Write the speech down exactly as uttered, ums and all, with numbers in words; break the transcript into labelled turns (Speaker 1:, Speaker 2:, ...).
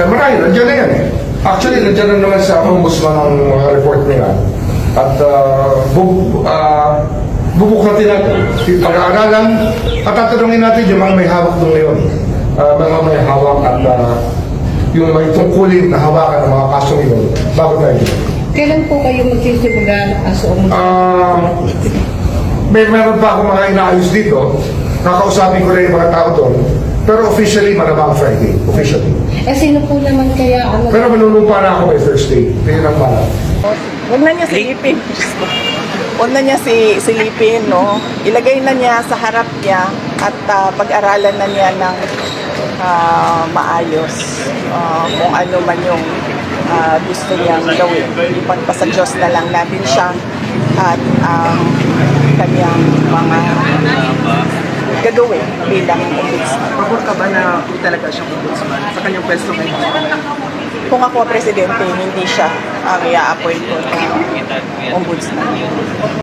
Speaker 1: Marami, nandiyan na yan eh. Actually, nandiyan na naman sa ombudsman ang mga report nila. At uh, bu uh, bubuklatin natin. Pag-aaralan at tatanungin natin yung mga may hawak doon ngayon. Uh, mga may hawak at uh, yung may tungkulin na hawakan ng mga kaso ngayon. Bago tayo dito.
Speaker 2: Kailan po kayo magsisimula kaso ombudsman?
Speaker 1: Uh, may meron pa ako mga inaayos dito. Kakausapin ko rin yung mga tao doon. Pero officially, malamang Friday. Officially.
Speaker 2: Eh, sino po naman kaya ano?
Speaker 1: Pero manunumpa na ako by Thursday. Tingin ang bala.
Speaker 3: Huwag na niya silipin. Huwag na niya si, silipin, no? Ilagay na niya sa harap niya at uh, pag-aralan na niya ng uh, maayos uh, kung ano man yung uh, gusto niyang gawin. Ipagpasa Diyos na lang natin siya at ang uh, kanyang mga gagawin bilang ombudsman.
Speaker 4: Pabor ka ba na talaga siyang ombudsman sa kanyang pwesto ngayon?
Speaker 3: Kung ako presidente, hindi siya ang i-appoint ko na ombudsman.